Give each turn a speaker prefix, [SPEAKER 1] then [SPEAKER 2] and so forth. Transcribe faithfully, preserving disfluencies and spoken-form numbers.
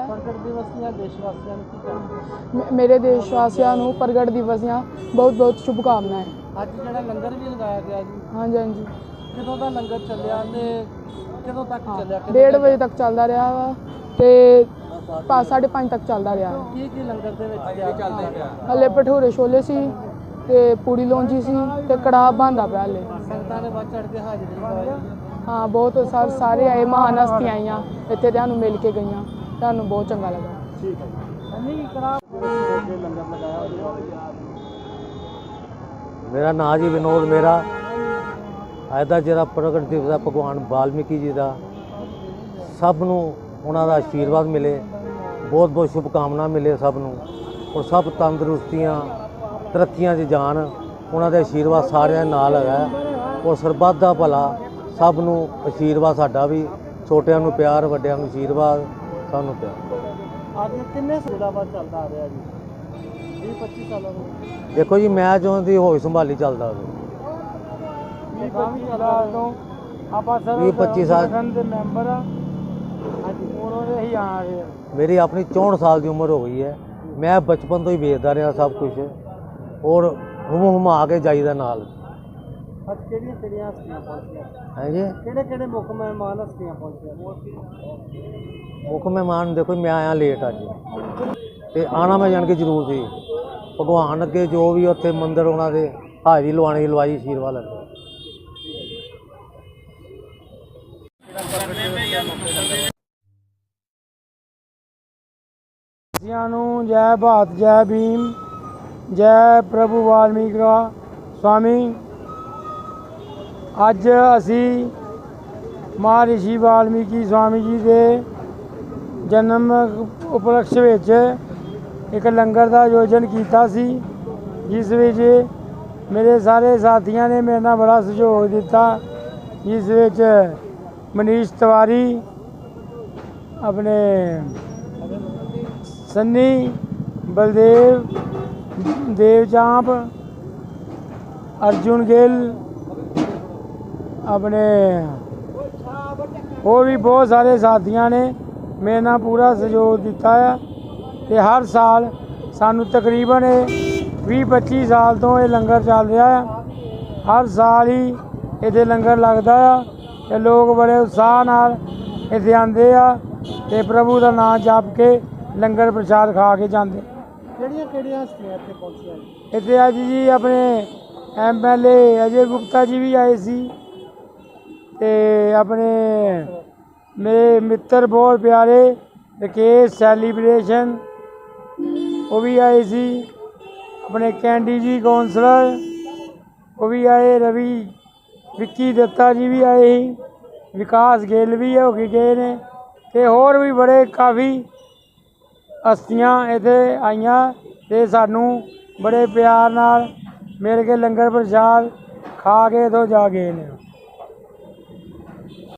[SPEAKER 1] प्रगट दिवस ਦੀਆਂ ਦੇਸ਼ਵਾਸੀਆਂ ਨੂੰ ਕੀ ਕਹਿਣਾ?
[SPEAKER 2] मेरे देशवासियों को प्रगट दिवस ਦੀਆਂ बहुत बहुत शुभकामनाएं।
[SPEAKER 1] ਅੱਜ ਜਿਹੜਾ ਲੰਗਰ ਵੀ ਲਗਾਇਆ ਗਿਆ ਜੀ,
[SPEAKER 2] हाँ जी हाँ जी,
[SPEAKER 1] ਕਿਦੋਂ ਦਾ ਲੰਗਰ ਚੱਲਿਆ ਤੇ ਕਦੋਂ तक ਚੱਲਿਆ?
[SPEAKER 2] डेढ़ बजे तक चलता रहा वा ते साढ़े पाँच तक चलता रहा।
[SPEAKER 1] ਕੀ ਕੀ ਲੰਗਰ ਦੇ ਵਿੱਚ ਤਿਆਰ ਚੱਲਦਾ ਪਿਆ?
[SPEAKER 2] हले भठूरे छोले सी ते पूड़ी लौंजी सी ते कड़ाह बनता पिया हले।
[SPEAKER 1] ਸੰਗਤਾਂ ਨੇ ਵੱਧ ਚੜ ਕੇ ਹਾਜ਼ਰੀ ਲਗਾਈ।
[SPEAKER 2] हाँ बहुत सार सारे आए, महान हस्तियां आईयां इत्थे तुहानूं मिल के गईयां, तुहानूं बहुत चंगा लगा।
[SPEAKER 1] ठीक है नहीं कड़ा लंगर लगाया।
[SPEAKER 3] मेरा नाम जी विनोद मेरा। ਅੱਜ ਦਾ ਜਿਹੜਾ ਪ੍ਰਗਟ ਦਿਵਸ ਹੈ ਭਗਵਾਨ ਵਾਲਮੀਕੀ ਜੀ ਦਾ, ਸਭ ਨੂੰ ਉਹਨਾਂ ਦਾ ਆਸ਼ੀਰਵਾਦ ਮਿਲੇ, ਬਹੁਤ ਬਹੁਤ ਸ਼ੁਭਕਾਮਨਾ ਮਿਲੇ ਸਭ ਨੂੰ, ਔਰ ਸਭ ਤੰਦਰੁਸਤੀਆਂ ਤਰੱਕੀਆਂ 'ਚ ਜਾਣ। ਉਹਨਾਂ ਦੇ ਆਸ਼ੀਰਵਾਦ ਸਾਰਿਆਂ ਦੇ ਨਾਲ ਹੈਗਾ, ਔਰ ਸਰਬੱਤ ਦਾ ਭਲਾ ਸਭ ਨੂੰ ਆਸ਼ੀਰਵਾਦ ਸਾਡਾ ਵੀ, ਛੋਟਿਆਂ ਨੂੰ ਪਿਆਰ, ਵੱਡਿਆਂ ਨੂੰ ਆਸ਼ੀਰਵਾਦ, ਸਭ ਨੂੰ ਪਿਆਰ।
[SPEAKER 1] ਅੱਜ ਕਿੰਨੇ ਸਾਲਾਂ ਬਾਅਦ ਚੱਲਦਾ ਆ ਰਿਹਾ ਜੀ? ਵੀਹ ਪੱਚੀ ਸਾਲਾਂ ਤੋਂ।
[SPEAKER 3] ਦੇਖੋ ਜੀ, ਮੈਂ ਚਾਹੁੰਦੀ ਹੋਈ ਸੰਭਾਲੀ ਚੱਲਦਾ ਹੋਵੇ।
[SPEAKER 1] ਵੀਹ ਪੱਚੀ ਸਾਲਾਂ ਤੋਂ ਆਪਾਂ ਸਰ
[SPEAKER 3] ਵੀਹ ਪੱਚੀ ਸਾਲ
[SPEAKER 1] ਦੇ ਮੈਂਬਰ ਆ। ਹਾਂਜੀ ਉਹਨਾਂ ਦੇ ਹੀ ਆ ਰਹੇ।
[SPEAKER 3] ਮੇਰੀ ਆਪਣੀ ਚੌਂਹਠ ਸਾਲ ਦੀ ਉਮਰ ਹੋ ਗਈ ਹੈ। ਮੈਂ ਬਚਪਨ ਤੋਂ ਹੀ ਵੇਚਦਾ ਰਿਹਾ ਸਭ ਕੁਝ, ਔਰ ਹੁਮ ਹੁਮਾ ਕੇ ਜਾਈਦਾ ਨਾਲ।
[SPEAKER 1] ਅੱਜ ਕਿਹੜੀਆਂ ਕਿਹੜੀਆਂ ਹਸਤੀਆਂ ਪਹੁੰਚੀਆਂ?
[SPEAKER 3] ਹਾਂਜੀ,
[SPEAKER 1] ਕਿਹੜੇ ਕਿਹੜੇ ਮੁੱਖ ਮਹਿਮਾਨ ਹਸਤੀਆਂ ਪਹੁੰਚੀਆਂ?
[SPEAKER 3] ਮੁੱਖ ਮਹਿਮਾਨ ਦੇਖੋ, ਮੈਂ ਆਇਆ ਲੇਟ ਅੱਜ, ਤੇ ਆਣਾ ਮੈਂ ਜਾਣ ਕੇ ਜ਼ਰੂਰ ਸੀ। ਭਗਵਾਨ ਅੱਗੇ ਜੋ ਵੀ ਉੱਥੇ ਮੰਦਿਰ ਉਹਨਾਂ ਦੇ ਹਾਜ਼ਰੀ ਲਵਾਉਣੀ ਲਵਾਈ, ਆਸ਼ੀਰਵਾਦ ਲੈਂਦੇ।
[SPEAKER 1] ਨੂੰ ਜੈ ਭਾਰਤ, ਜੈ ਭੀਮ, ਜੈ ਪ੍ਰਭੂ ਵਾਲਮੀਕ स्वामी। ਅੱਜ ਅਸੀਂ ਮਹਾਰਿਸ਼ੀ ਵਾਲਮੀਕੀ स्वामी जी ਦੇ ਜਨਮ ਉਪਲਕਸ਼ ਵਿੱਚ ਇੱਕ ਲੰਗਰ ਦਾ ਆਯੋਜਨ ਕੀਤਾ ਸੀ, ਜਿਸ ਵਿੱਚ ਮੇਰੇ ਸਾਰੇ ਸਾਥੀਆਂ ਨੇ ਮੇਰੇ ਨਾਲ ਬੜਾ ਸਹਿਯੋਗ ਦਿੱਤਾ, ਜਿਸ ਵਿੱਚ ਮਨੀਸ਼ ਤਿਵਾਰੀ, ਆਪਣੇ सन्नी, बलदेव, देवचांप, अर्जुन गिल, अपने और भी बहुत सारे साथियों ने मेरे नाल पूरा सहयोग दिता है। ते हर साल सानू तकरीबन भी पच्ची साल तो ये लंगर चल रहा है। हर साल ही इत्थे लंगर लगता है ते लोग बड़े उत्साह नाल इत्थे आंदे आ ते प्रभु का नाम जप के लंगर प्रसाद खा के जाते। ਕਿਹੜੀਆਂ ਕਿਹੜੀਆਂ ਹਸਤੀਆਂ ਇੱਥੇ ਪਹੁੰਚੀਆਂ? ਇੱਥੇ ਅੱਜ ਜੀ ਆਪਣੇ M L A Ajay Gupta ji ਵੀ ਆਏ ਸੀ, ਤੇ ਆਪਣੇ ਮੇਰੇ ਮਿੱਤਰ ਬਹੁਤ ਪਿਆਰੇ ਰਕੇਸ਼ ਸੈਲੀਬ੍ਰੇਸ਼ਨ ਉਹ ਵੀ ਆਏ ਸੀ, ਆਪਣੇ ਕੈਂਡੀ ਜੀ ਕੌਂਸਲਰ ਉਹ ਵੀ ਆਏ, ਰਵੀ ਵਿੱਕੀ ਦੱਤਾ ਜੀ ਵੀ ਆਏ ਸੀ, ਵਿਕਾਸ ਗਿੱਲ ਵੀ ਹੋ ਕੇ ਗਏ ਨੇ, ਤੇ ਹੋਰ ਵੀ ਬੜੇ ਕਾਫੀ ਹਸਤੀਆਂ ਇੱਥੇ ਆਈਆਂ ਤੇ ਸਾਨੂੰ ਬੜੇ ਪਿਆਰ ਨਾਲ ਮਿਲ ਕੇ ਲੰਗਰ ਪ੍ਰਸ਼ਾਦ ਖਾ ਕੇ ਇੱਥੋਂ ਜਾ ਗਏ ਨੇ।